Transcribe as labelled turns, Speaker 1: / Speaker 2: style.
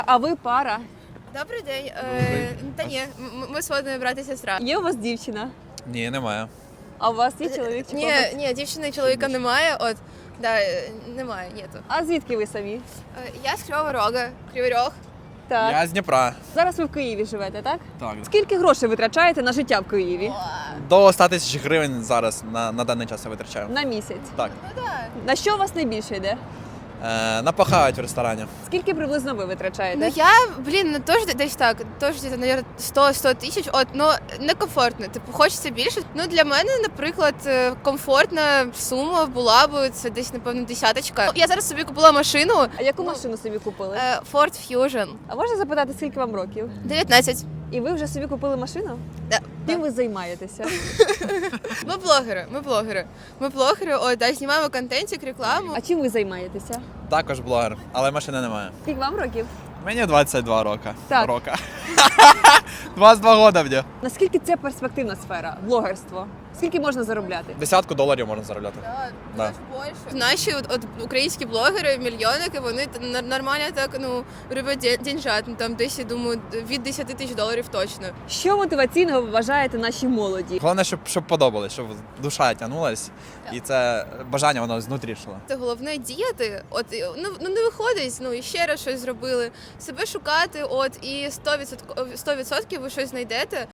Speaker 1: А ви пара?
Speaker 2: Добрий день. Та ні, ми сводні брат і сестра.
Speaker 1: Є у вас дівчина?
Speaker 3: Ні, немає.
Speaker 1: А у вас є чоловік чи хлопець?
Speaker 2: Ні, дівчини і чоловіка немає. От, да, немає, нету.
Speaker 1: А звідки ви самі?
Speaker 2: Я з Кривого Рога, Кривий Рог.
Speaker 1: Так.
Speaker 3: Я з Дніпра.
Speaker 1: Зараз ви в Києві живете, так?
Speaker 3: Так.
Speaker 1: Скільки грошей витрачаєте на життя в Києві?
Speaker 3: До 100 тисяч гривень зараз на даний час я витрачаю.
Speaker 1: На місяць.
Speaker 3: Так.
Speaker 1: На що у вас найбільше йде?
Speaker 3: Напахають в ресторані.
Speaker 1: Скільки приблизно ви витрачаєте?
Speaker 2: Ну я, теж десь так, теж десь, мабуть, 100 тисяч, от, ну, некомфортно, типу, хочеться більше. Ну, для мене, наприклад, комфортна сума була б, це десь, напевно, десяточка. Я зараз собі купила машину,
Speaker 1: А яку машину собі купили?
Speaker 2: Ford Fusion,
Speaker 1: А можна запитати, скільки вам років?
Speaker 2: 19.
Speaker 1: І ви вже собі купили машину?
Speaker 2: Да.
Speaker 1: Чим ви займаєтеся?
Speaker 2: Ми блогери, от, да, знімаємо контентик, рекламу.
Speaker 1: А чим ви займаєтеся?
Speaker 3: Також блогер, але машини немає.
Speaker 1: Скільки вам років?
Speaker 3: Мені 22 роки.
Speaker 1: Так.
Speaker 3: Рока. 22 года мені.
Speaker 1: Наскільки це перспективна сфера, блогерство? Скільки можна заробляти?
Speaker 3: $10 можна заробляти. Да.
Speaker 2: Наші от українські блогери, мільйонники, вони нормально так, ну, роблять деньжат, ну, там десь, я думаю, від 10 тисяч доларів точно.
Speaker 1: Що мотиваційного ви вважаєте нашій молоді?
Speaker 3: Головне, щоб подобалось, щоб душа тягнулась, і це бажання воно знутрі йшло.
Speaker 2: Це головне діяти, от, ну не виходить, ну, і ще раз щось зробили, себе шукати, от, і 100% ви щось знайдете.